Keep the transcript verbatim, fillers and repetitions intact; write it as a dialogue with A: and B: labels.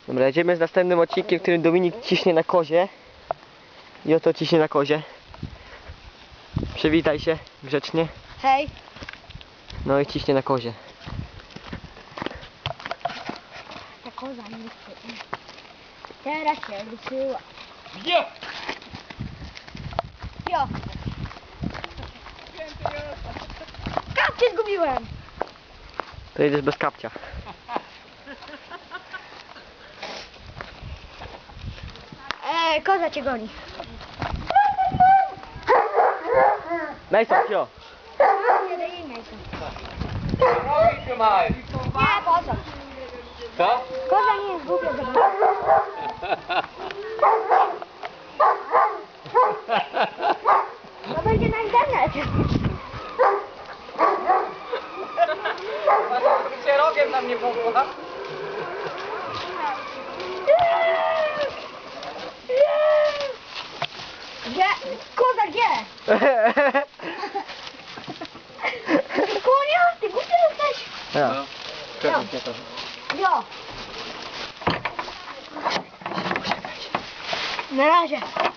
A: Dobra, jedziemy z następnym odcinkiem, w którym Dominik ciśnie na kozie. I oto ciśnie na kozie. Przywitaj się grzecznie.
B: Hej.
A: No i ciśnie na kozie.
B: Ta koza nie chce. Teraz się ruszyła.
C: Jo!
B: Jo. Kapcie zgubiłem.
A: To jedziesz bez kapcia.
B: Eee, koza cię goni.
A: Mason, jo.
B: Nie daj jej mięsa.
C: Robi trzymaj!
B: Nie, po co?
C: Co?
B: Koza nie jest głupia, żeby... To będzie na internet.
C: Się rogiem na mnie popła.
B: Gdzie? Koza gdzie? Konia, ty głupia jesteś.
A: Ja.
C: No.
A: Czekaj, czekaj.
B: Jo. Na razie.